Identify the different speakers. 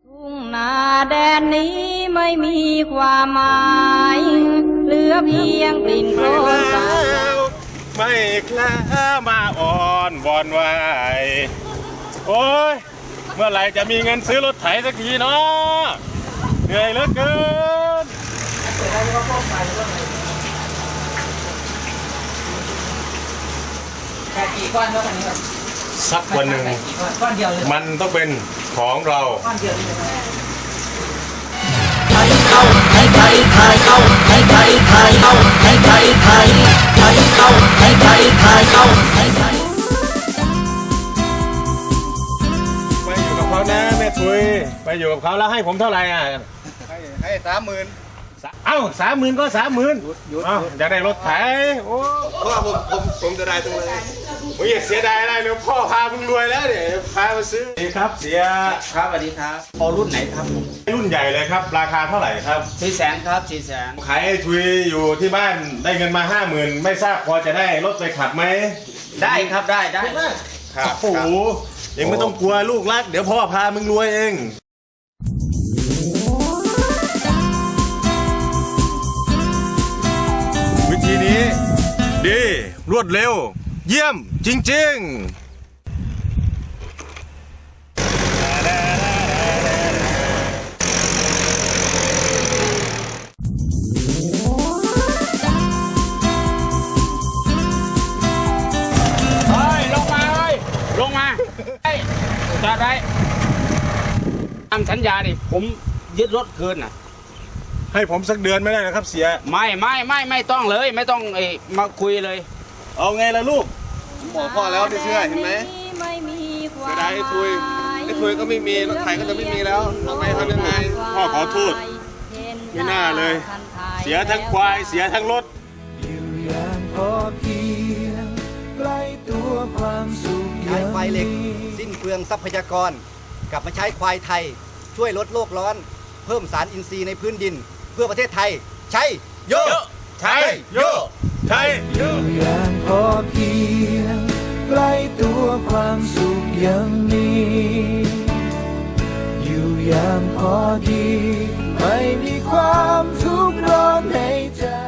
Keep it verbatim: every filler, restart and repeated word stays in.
Speaker 1: ทุ่งนาแดนนี้ไม่มีความหมายเหลือเพียงกลิ่นโคลนสาบ
Speaker 2: ไม่คล้ามาอ่อนบอนไหวโอ้ยเมื่อไหร่จะมีเงินซื้อรถไถสักทีเนาะเหนื่อยเหลือเกิน
Speaker 3: แค่กี่ก้อนเท่ากันครับ
Speaker 2: สักวันหนึ่ง
Speaker 3: ก้อนเดียวเลย
Speaker 2: มันต้องเป็นของเรา
Speaker 3: ก้อนเดียวเลย
Speaker 4: ไทยเข้าไทยไทยไทยเข้าไทยไทยไทยเข้าไทยไทยไทยไทยเข้าไทยไทยไทยเข้าไทยไทย
Speaker 2: ไปอยู่กับเขานะแม่ทุยไปอยู่กับเขาแล้วให้ผมเท่าไหร่อ่ะ
Speaker 5: ให้ให้สามหมื่น
Speaker 2: เอ้าสามหมื่นก็สามหมื่นอยากได้รถไถโอ้
Speaker 5: เพราะว่าผมผมผมจะได้ตรงเลย
Speaker 2: มึงอย่าเสียดายอะไรเลยพ่อพามึงรวยแล้วเนี่ยพามาซื้อนี่ครับเสีย
Speaker 3: ครับสวัสดีครับพอรุ่นไหนครับ
Speaker 2: รุ่นใหญ่เลยครับราคาเท่าไหร่ครับ
Speaker 3: สี่แสนครับสี่แสน
Speaker 2: ขายทุยอยู่ที่บ้านได้เงินมาห้าหมื่นไม่ทราบพอจะได้รถไปขับไหม
Speaker 3: ได้ครับได้ได้
Speaker 2: ครับโอ้โหยังไม่ต้องกลัวลูกรักเดี๋ยวพ่อพามึงรวยเองวิธีนี้ดีรวดเร็วเยี่ยมจริงๆ
Speaker 3: ลงมาไอ้จอดไว้ทำสัญญาดิผมยึดรถเกินอ่ะ
Speaker 2: ให้ผมสักเดือนไม่ได้นะครับเสีย
Speaker 3: ไม่ไม่ไม่ไม่ต้องเลยไม่ต้องไอ้มาคุยเลย
Speaker 2: เอาไงล่ะลูก
Speaker 5: ผมบอกพ่อแล้วไม่เชื่อเห็นไหมเสียดายไอ้ทุยไอ้ทุยก็ไม่มีรถไถก็จะไม่มีแล้วทำไมทำยังไง
Speaker 2: พ่อขอโทษไม่น่าเลยเสียทั้งควายเสียทั้งรถ
Speaker 4: อยู่อย่างพอเพียงใกล้ตัวความสุข
Speaker 6: ใช้ควายเหล็กสิ้นเปลืองทรัพยากรกลับมาใช้ควายไทยช่วยลดโลกร้อนเพิ่มสารอินทรีย์ในพื้นดินเพื่อประเทศไทยใช่โย
Speaker 2: ใช่โยใช่
Speaker 4: อยู่อย่างพอเพียงใกล้ตัวความสุขยังมีอยู่อย่างพอดีไม่มีความทุกข์ร้อนในใจ